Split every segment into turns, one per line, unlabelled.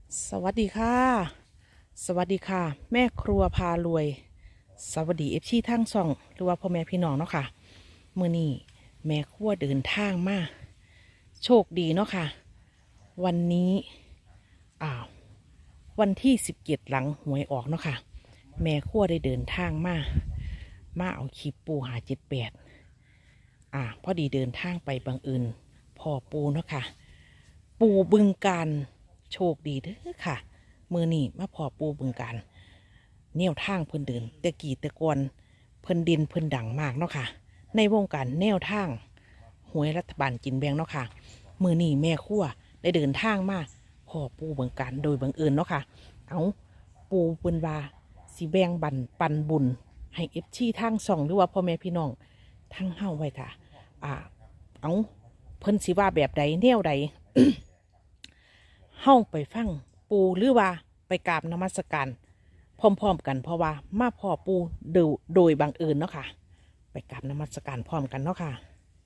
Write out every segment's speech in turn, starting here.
สวัสดีค่ะสวัสดีค่ะแม่ครัวพารวยสวัสดีทั้งสองหรือว่าพ่อแม่พี่น้องเนาะค่ะมื้อนี้แม่ครัวเดินทางมาโชคดีเนาะค่ะวันนี้อ้าววันที่17หลังหวยออกเนาะค่ะแม่ครัวได้เดินทางมาเอาคลิปปู578พอดีเดินทางไปบังเอิญพ่อปูเนาะค่ะปูบึงการโชคดีเด้อค่ะมือนี่มาพอปูบึงการแนวทางเพิ่นเดินแต่กี่แต่กอนเพิ่นดินเพิ่นดังมากเนาะค่ะในวงการแนวทางหวยรัฐบาลกินแบ่งเนาะค่ะมือนี่แม่ครัวได้เดินทางมาพอปูบึงการโดยบังเอิญเนาะค่ะเอาปูเพิ่นว่าสิแบ่งปันบุญให้ทางส่องหรือว่าพ่อแม่พี่น้องทั้งเฮาไว้ค่ะเอาเพิ่นสิว่าแบบใดแนวใด เฮาไปฟังปูหรือว่าไปกราบนมัสการพร้อมๆกันเพราะว่ามาพ่อปูโดยบังเอิญเนาะค่ะไปกราบนมัสการพร้อมกันเนาะค่ะ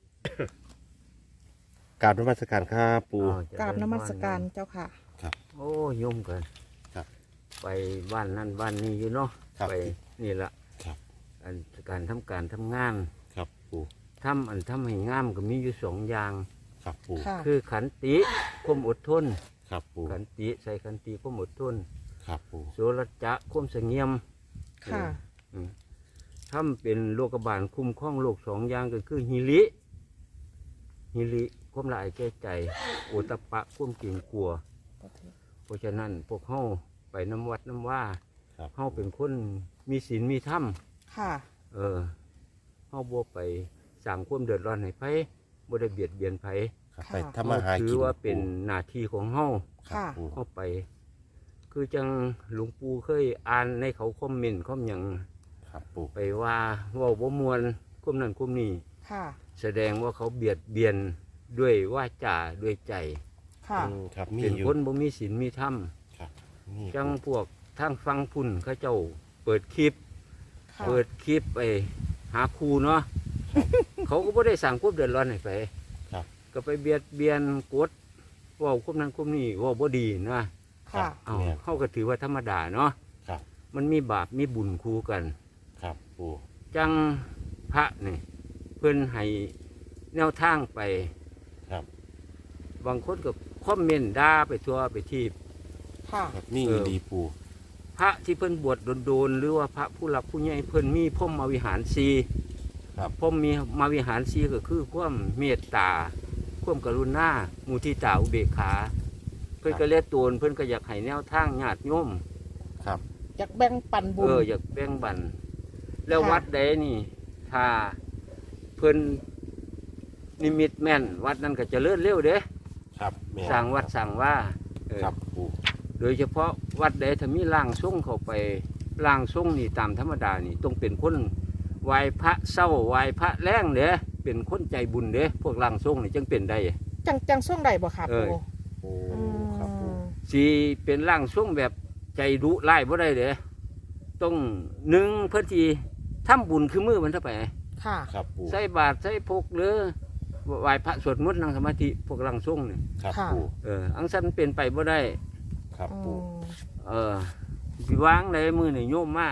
กราบนมัสการครับปู่
กราบนมัสการเจ้าค่ะ
ครับ
โอ้ยุ่งกัน
ครับ
ไปบ้านนั่นบ้านนี้อยู่เนาะ
ครับ
ไปนี่ละ
ครับ
การทำงาน
ครับปู่
ทำให้งามก็มีอยู่สองอย่าง
ครับปู่
ค่ะ
คือขันติความอดทน
ครับปู่
ขันติใส่ขันติความอดทน
ครับปู่
โสรจะความเสงี่ยม
ค่ะ
ทำเป็นโลกบาลคุ้มครองโลกสองอย่างก็คือฮิริความละอายแก้ใจโอตตปปะความเกรงกลัว เพราะฉะนั้นพวกเฮาไปน้ำวัดน้ำว่า
ครับ
เฮาเป็นคนมีศีลมีธรรม
ค่ะ
เฮาบ่ไปสร้างความเดือดร้อนให้ไผบ่ได้เบียดเบียนไผ
ครับ
ค่ะ
ไปทำมาหา
ถื
กิ
อน ว่าเป็นหน้าที่ของเฮา
ครับปู่
เฮาไป คือจังหลวงปู่เคยอ่านในเขาคอมเมนต์คอมหยัง
ครับปู่
ไปว่าเว้าบ่ม่วนคุมนั้นคุมนี้
ค่ะ
แสดงว่าเขาเบียดเบียนด้วยวาจาด้วยใจ
ค่ะ
ครับมี
เป็น
อยู่
คนบ่มีศีลมีธรรม
ครับนี่
จังพวกทางฟังพุ่นเขาเจ้าเปิดคลิป
ค่ะ
เปิดคลิปไปหาครูเนาะ เขาก็ไม่ได้สั่งควบเดือดร้อนให้ไป
ครับ
ก็ไปเบียดเบียนกดเว่าควบนั้นควบนี้เว่าบ่ดีนะ
ค่ะ
เอา
เนี่ย
เขาก็ถือว่าธรรมดาเนาะ
ครับ
มันมีบาปมีบุญคู่กัน
ครับปู่
จังพระนี่เพื่อนให้แนวทางไป
ครับ
บางคนก็คอมเมนต์ด่าไปทั่วไปที
ค่ะ
ครับนี่ดีปู่
พระที่เพิ่นบวชโดนๆหรือว่าพระผู้หลักผู้ใหญ่เพิ่นมีพรหมวิหารสี
ครับ
พรหมมีมาวิหารสีก็คือความเมตตาความกรุณามุทิตาอุเบกขา เพิ่นก็เลียตัวเพิ่นก็อยากให้แนวทางญาติโยม
ครับ
อยากแบ่งปันบุญ
อยากแบ่งปัน แล้ว
ค่ะ
วัดใดนี่ ถ้าเพิ่นนิมิตแม่น วัดนั้นก็เจะเลื่อนเร็วเด้
ครับแม่
สร้างวัดสร้างว่าเออ
ครับปู่
โดยเฉพาะวัดใดถ้ามีร่างทรงเข้าไปร่างทรงนี่ตามธรรมดานี่ต้องเป็นคนไหว้พระเศร้าไหว้พระแรงเด้เป็นคนใจบุญเด้พวกร่างทรงนี่จึงเป็นได้
จังส่วงใดบ่ค่ะ
เอ
ปู
อ
โอ้ครับปู่
สีเป็นร่างทรงแบบใจดุร้ายบ่ได้เด้ต้องหนึ่งเพื่อที่ทำบุญคือมือมันเท่าไป
ค่ะ
ครับปู่
ใส่บาตรใส่พกหรือไหว้พระสวดมนต์นั่งสมาธิพวกร่างทรงนี่
ครับ
ค่ะ
ปู่
อังสันเป็นไปบ่ได้
ครับ
อื
ปู่
ม
สิวางในมือนี่โยมมาก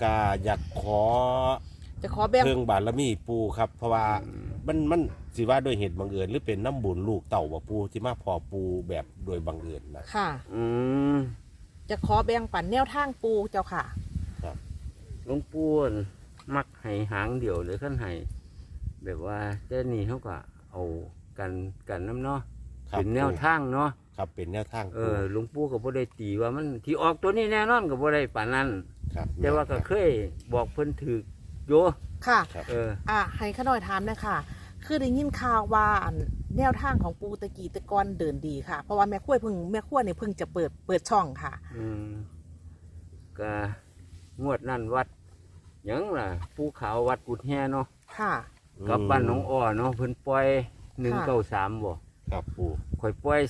าอยากขอ
จะขอแบ่ง
เพิ่งบารมีปู่ครับ เพราะว่ามันสิว่าโดยเหตุบังเอิญหรือเป็นน้ำบุญลูกเต่าว่าปู่ที่มาพอปู่แบบโดยบังเอิญนะ
ค่ะ
อืม
จะขอแบ่งปันแนวทางปูเจ้าค่ะ
หลวงปู่มักให้หางเดี่ยวหรือขั้นให้แบบว่าแต่นี่เขาก็เอากันน้ำเนาะ
ครับ
เป็นแนวทางเนาะ
ครับเป็นแนวทางปู่
หลวงปู่ก็บ่ได้ตีว่ามันที่ออกตัวนี้แน่นอนก็บ่ได้ป่านนั้น
ครับ
แต่ว่าก็เคยบอกเพิ่นถือโย
ค่ะ
ครับ
ให้ข้าน้อยถามนะค่ะ คือได้ยินข่าวว่าแนวทางของปูตะกี้ตะกอนเดินดีค่ะ เพราะว่าแม่ขั้วเนี่ยเพิ่งจะเปิดช่องค่ะ
อืมก็งวดนั่นวัดหยังล่ะภูเขาวัดกุดแฮเนาะ
ค่ะ
กับบ้านหนองอ้อเนาะเพิ่นปล่อย193บ่
ครับปู่
ข่อยปล่อย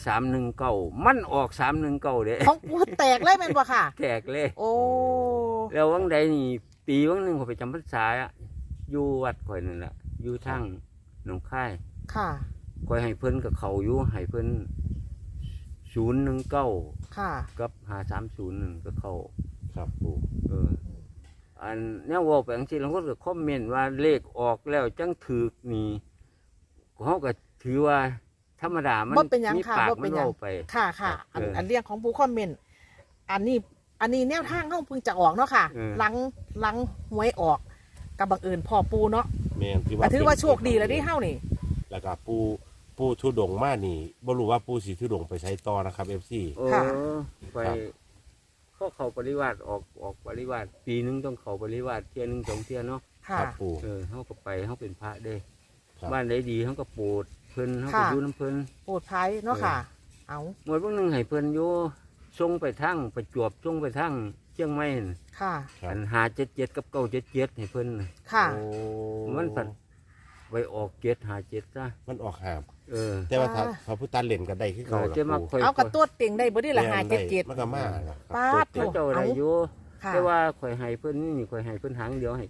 319มันออก319เด้
ของปูแตกเลยแม่นบ่ค่ะ
แตกเลย
โอ้
แล้ววังใดนี่ปีวังหนึงข่อยไปจำพรรษาอะอยู่วัดข่อยนั่นแหละอยู่ทางหนองคาย
ค่ะ
ข่อยให้เพิ่นกับเขาอยู่ให้เพิ่น 019
ค่ะ
กับ5301ก็เข้า
ครับปู
อันแนวเว่าไปจังซี่แล้วคนก็คอมเมนต์ว่าเลขออกแล้วจังถูกนี่เขาก็ถือว่าธรรมดามัน
บ่เป็นหยัง
มี
ค่ะ
ปาก
บ่
มั
เป็น
น
หยัง
เว้าไป
ค่ะค่ะอัน
เอออั
อันเรื่องของผู้คอมเมนต์อันนี้แนวทางเขาเพิ่งจะออกเนาะค่ะ
เออ
หลังหวยออกกับบังเอิญพ่อปูเนาะ
แม่นที่
แต่ถือว่า
เป็น
โชคดีแล้วที่เฮ้านี่
แล้วก็ปูทุดงมานี่บ่รู้ว่าปูสิทุดงไปใช้ต่อนะครับ FC
ค่ะ
ไป
ครับ
เขาปริวาสออกปริวาสปีนึงต้องเขาปริวาสเที่ยนึง2เที่ยเนาะ
ค่ะ
ครับปู
เขาก็ไปเขาเป็นพระเด้
ครับ
บ้านใดดีเขาก็โปรดเพิ่นเขาก็
ค่ะ
อยู่น้ำเพิ่น
โปรดภัยเนาะค่ะ เอา
หมดวันหนึงให้เพิ่นอยู่ส่งไปทั้งประจวบส่งไปทั้งเชียงใหม่นั่น
ค่ะ
ครับ
อัน577กับ977ให้เพิ่นน่ะ
ค่ะ
โอ้
มันผัดไปออก757ซะ
มันออกหาม
แต่
แต่ว่าถ้า
อ่า
พระพุทธเล่นก็ได้คือเก่าล่ะ
จะมา
ปู
คอย
เอากระตัวเต็งได้บ่ได้ละ
แม่น
577
มันก็มาล่ะครับ
ป๊าด
ตัว
เขา
เต็ม
เจ้าได้อยู่
ค่ะ
แต่ว่าข่อยให้เพิ่นนี่ข่อยให้เพิ่นหางเดียวให้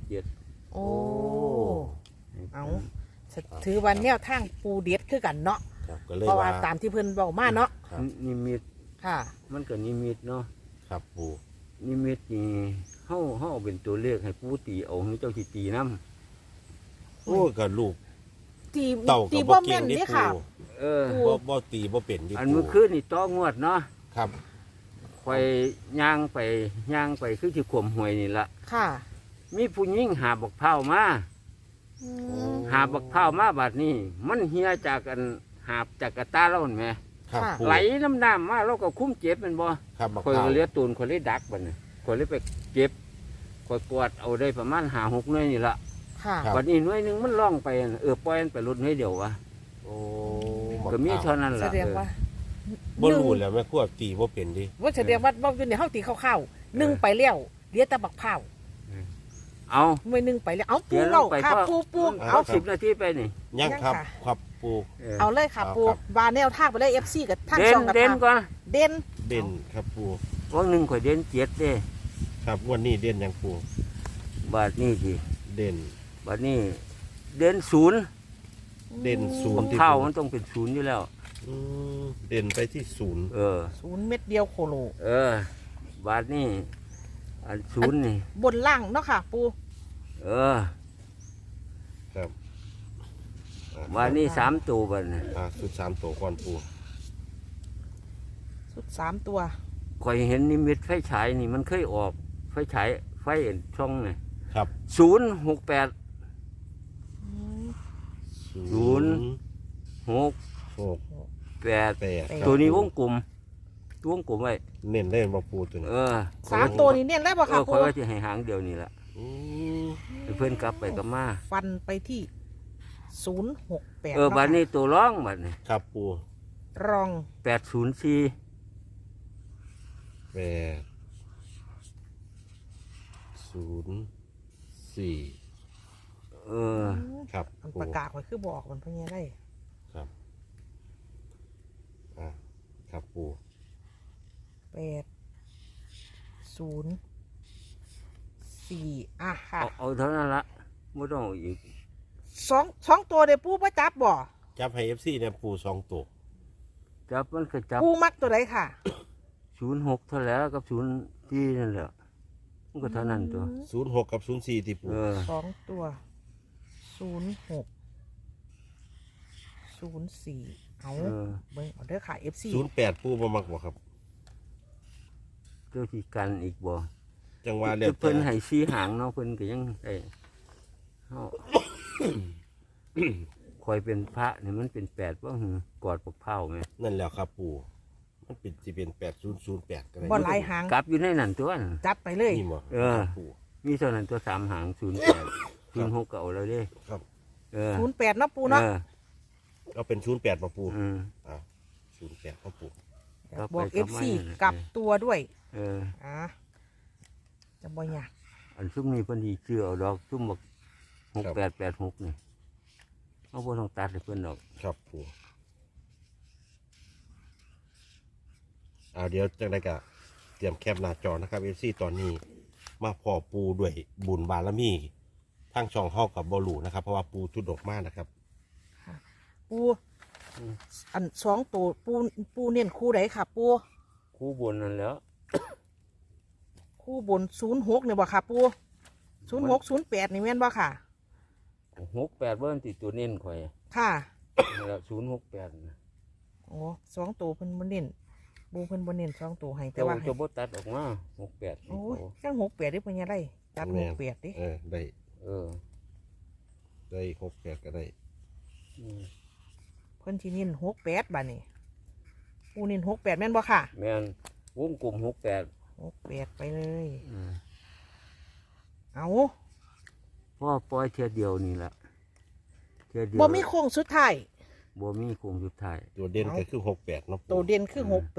977
โอ้ เอา ถือวันแนวทางปูเด็ดคือกันเนาะ
ครับก็เลย
เพราะว่า
ว่า
ตามที่เพิ่นบอกมาเนาะ
ครับ
นิมิต
ค่ะ
มันก็นิมิตเนาะ
ครับปู
นิมิตนี่เฮาเอาเป็นตัวเลขให้ผู้ตีเอาให้เจ้าสิตีนํ
โอ้ก็ลูก
ตี
เต่า
ตี
กับ
บ่
บ่
แม่
เก่ง
น
นี่
นี่
ปู
ค่ะ
เออ
บ่ตีบ่เป็นนี่
อัน
ปู
เมื่อคืนนี่ต้องวดเนาะ
ครับ
ข่อยย่างไปคือสิขวมหวยนี่ล่ะ
ค่ะ
มีผู้หญิงหาบักพร้าวมา
อืม
หาบักพร้าวมาบัดนี้ มันเหียจากกันหาบจากกระตาเราเห็นไหม
ครับ
ค่ะ
ปู
ไหลน้ำน้ำมาเราก็คุ้มเจ็บแมันบ่
ครับบัก
ข่อย
เต่า
ก็เลี้ยตูนข่อยเลยดักบัดนี้ข่อยเลยไปเจ็บข่อยกวาดเอาได้ประมาณ5-6หน่วยนี่ล่ะ
ค่ะ
บัดนี้หน่วยหนึงมันล่องไปปล่อยมันไปรถหน่วยเดียววะ
โอ้
ก็มีเท่านั้น
แส
ล่ะ
ดงว่า
บ่รู้แล้วแม่ครัวตีบ่เป็นดิ
ว่าแสดงว่าบ่อยู่ในเฮาตีข้าวๆนึ่งไปแล้วเหลือแต่บักพร้าว
เอา
ไม่นึ่งไปแล้วเอาปู
เดี๋ยว
เล่า
ไป
ค่ะ
พ่อ
ปู
เอา10 นาทีไปนี่
ยังครับ
ยังค่ะ
ครับปู
เอาเลยค่ะ
เอา
ปู
ครับ
วาแนวทางไปเลย FC กับทาง
เด่
ช่
น
องกับ
เด่น
ทาง
ก่อน
เด่น
เด่นครับปู
วันหนึ่งข่อยเด่น7เด้
ครับวันนี้เด่นยังปู
บาทนี้สิ
เด่น
บาทนี้เด่น0
เด่นศูนย์
ข้าวมันต้องเป็น0อยู่แล้ว
อืมเด่นไปที่ศูนย์
0 เม็ดเดียวโคโล
บาทนี้อัน0นี่
บนล่างเนาะค่ะ ปู
ครับอ่
บาทนี้3ตัวบาทนี่
สุดสามตัวก่อนปู
สุด3ตัว
ข่อยเห็นนิมิตไฟฉายนี่มันเคยออกไฟฉายไฟช่องนี่
ครับ
068 ศูนย์ 6
หก
8
แปด
ตัวนี้วงกลมไว้
เน้นได้มาปูตัวนี้
3ตัวนี้เน้นแล้วบ่ค่ะ
ข่
ปู
อยว่าจะให้หางเดียวนี่แหละ
อืม
ให้เพื่อนกลับไปกลับมา
ฟันไปที่068
บาทนี้ตัวร้องบาทนี้
ครับปู
รอง
804
แปดศูนย์สี่ ครับ
มัน
ปู
ประกาศไว้คือบอกมันเพิ่นยังได้
ครับอ่ะครับปู
804ค่ะ
เอาเท่านั้นละไม่ต้องเอาอีก
สองตัวเดี๋ยวปูบ่จับบ่
จับให้ FC เนี่ยปูสองตัว
จับมันก็จับ
ปูมักตัวใดค่ะ
06เท่าแล้วกับ04นั่นแหละมันก็เท่านั้นตัว
06กับ04ที่ปู
สองตัว06 04เอาเบิ่งเอาเด้อค่ะ FC
08ปูบ่มักบ่ครับ
เจ้าที่กันอีกบ่
จังหวะแล้ว
เพิ่นให้ชี้หางเนาะเพิ่นก็ยังได้เฮา คอยเป็นพระนี่มันเป็น8บ่หือกอดปกเผาแม่
นั่นแหล้วครับปูมันเป็นสิเป็น8008ก็ได้
บ่หลายหาง
กลับอยู่ในนั่นตัวน่ะ
จัดไปเลย
นี่บ่
ครับ
ปู
มีเท่านั้นตัว3หาง08 06ก็เอาแล้วเด้
ครับ
08เนาะปูเนาะ
เอาเป็น08บ่ปู
อืม
อ้าว08ครับปู
บอก
กลับไป
FC
กลับมา
กลับตัวด้วย
อ่า
จะบ่ยาก
อันซุ่มนี้เพิ่นสิชื่อเอาดอกซุ่มบอก6886นี่เอาบ่ต้องตัดให้เพิ่นดอก
ครับปูเดี๋ยวจังได๋ก็เตรียมแคปหน้าจอนะครับ FC ตอนนี้มาพอปูด้วยบุญบารมีทางช่องเฮากับบ่รู้นะครับ เพราะว่าปูทุดดอกมากนะครับ
ปูอันสองตัวปูเน้นคู่ไหนค่ะปู
คู่บนนั่นแหล้ว
คู่บน06เนี่ยบ่ค่ะปู06 08นี่แม่นบ่ค่ะ
68เบิ้นติดตัวเน้นข่อย
ค่ะ
แล้ว068นะ
โอ้สองตัวเพิ่นบ่เน้นปูเพิ่นบ่เน้นสองตัวให้แต่
แต่
ว่า
ว่า
ให้
จะบ่ตัดออกมา68
โอ้ยจัง68ดิเพิ่นยังได้ตัด68ดิ
ได้
เออ
ได้68ก็ได้
อืม
เพิ่นสิเน้น68บัดนี้ปูเน้น68แม่นบ่ค่ะ
แม่นวงกลม68
68ไปเลย
อืม
เอา
พ่อปล่อยเทียเดียวนี่แหละเทียเดียว
บ่มีโค้งสุดท้าย
บ่มีโคงสุดท้าย
ตัวเด่นก็คือ68เนาะ
ตัวเด่นคือ68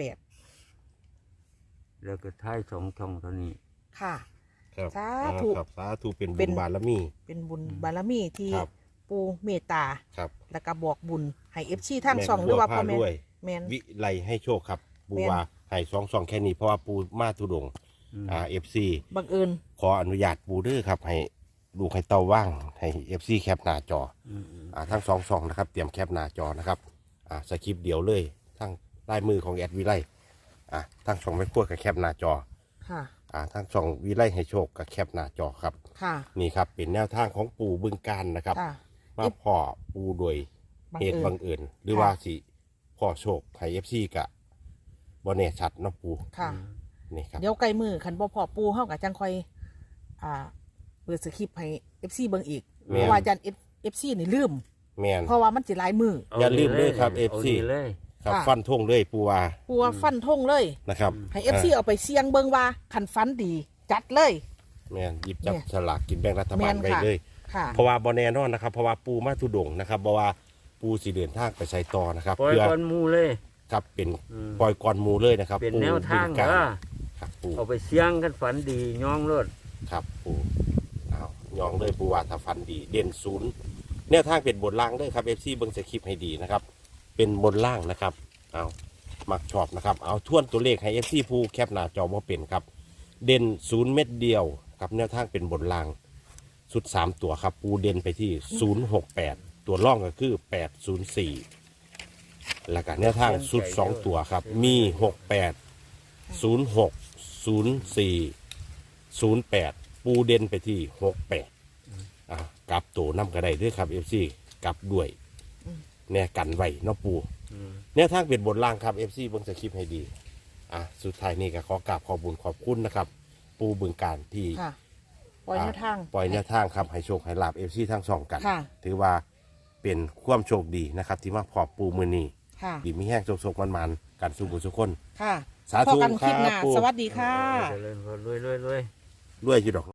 แล้วก็ท้าย2ช่องเท่านี้
ค่ะ
ครับ
สาธุ
ครับสาธุเป็น
เป็
บุ
น
ญบารมี
เป็นบุญบารมีที่
ครับ
ปูเมตตา
ครับ
แล้วก็บอกบุญให้ FC ทางช่องหรือว่าพ่อแม่
ด้วย
แม่น
วิไลให้โชคครับปู
แม่น
ว่าให้2แค่นี้เพราะว่าปูมาทุดงค์
อืม
FC
บังเอิญ
ขออนุญาตปูเด้อครับให้ลูกให้เต้าว่างให้ FC แคปหน้าจอ
อืม
ทั้ง2ช่องนะครับเตรียมแคปหน้าจอนะครับสคริปต์เดียวเลยทั้งลายมือของแอดวิไลทั้งช่องไม่พูดกับแคปหน้าจอ
ค่ะ
ทั้งช่องวิไลให้โชคกับแคปหน้าจอครับ
ค่ะ
นี่ครับเป็นแนวทางของปู่บึงการนะครับ
ค่ะ
มาพ่อปูโดย
บัง
เห
เอิ
ตุ
ญ
บังเอิญหรือ
ค่ะ
ว่าสิพ่อโชคไทย FC กะบอเน่ชัดเนาะปู
ค่ะ
นี่ครับ
เดี๋ยวไกลมือคันบ่พอปูเฮากับจังค่อยเปิดสคริปต์ให้ FC เบิ่งอีกเพราะว่าอาจารย์ FC นี่ลืม
แมน
เพราะว่ามันสิหลายมือ
อย่าลืมเลยครับ
อา
FC
นี่เลย
ครับ
ค่ะ
ฟันทงเลยปูว่า
ปูว่าฟันธงเลย
นะครับ
ให้ FC เอาไปเสี่ยงเบิ่งว่าคันฟันดี จัดเลย
แมนหยิบจับ
แม่น
ฉลากกินแบ่งรัฐบาล
แม่น
ไว้
ค่ะ
เลย
ค่ะ
เพราะว่าบอแน่นอนนะครับ เพราะว่าปูมาทุดงค์นะครับเพราะว่าปูสีเดินทางไปใช้ต่อนะครับ
ปล่อย
เพื่อ
ก้อนหมูเลย
ครับเป็น
อืม
ปล่อยกรมูเลยนะครับ
เป็น
ปู
แนวทาง
บึ
เด้
ร
อ
ครับปู
เอาไปเสี่ยงกันฝันดีย่องรถ
ครับปูเอายองเลยปูว่าถ้าฟันดีเด่นศูนย์แนวทางเป็นบนล่างด้วยครับ FC เบิ้งสคริปต์ให้ดีนะครับ เป็นบนล่างนะครับ เอามักชอบนะครับ เอาทวนตัวเลขให้ FC ผู้แคปหน้าจอว่าเป็นครับ เด่น0เม็ดเดียวกับแนวทางเป็นบนล่าง สุด 3 ตัวครับ ปูเด่นไปที่ 068 ตัวล่องก็คือ 804 แล้วก็แนวทางสุด 2 ตัวครับ มี 68 06 04 08 ปูเด่นไปที่ 68กลับตัวน้ำก็ได้ด้วยครับ FC กลับด้วยแน่กันไว้เนาะปู
อืม
แนวทางเป็นบนล่างครับ FC เบิ่งสคริปต์ให้ดีสุดท้ายนี่ก็ขอกราบขอบคุญขอบคุณนะครับ ปูบึงการที่
ค่ะ ปล่อยแนวทาง
ปล่อยแนวทางครับให้โชคให้ลาบ FC ทั้งสองกัน
ค่ะ
ถือว่าเป็นความโชคดีนะครับ ที่มาพอปูมือนี้
ค่ะ
ดีมีแห้งโชคๆมันๆกันสู่บุญสุกคน
ค่ะ
สา
พอ
ธุ
กันคลิปหน้า
ครับปู่
สวัสดีค่ะ
เจริญพรรวยๆ
รวยอยู่ดอก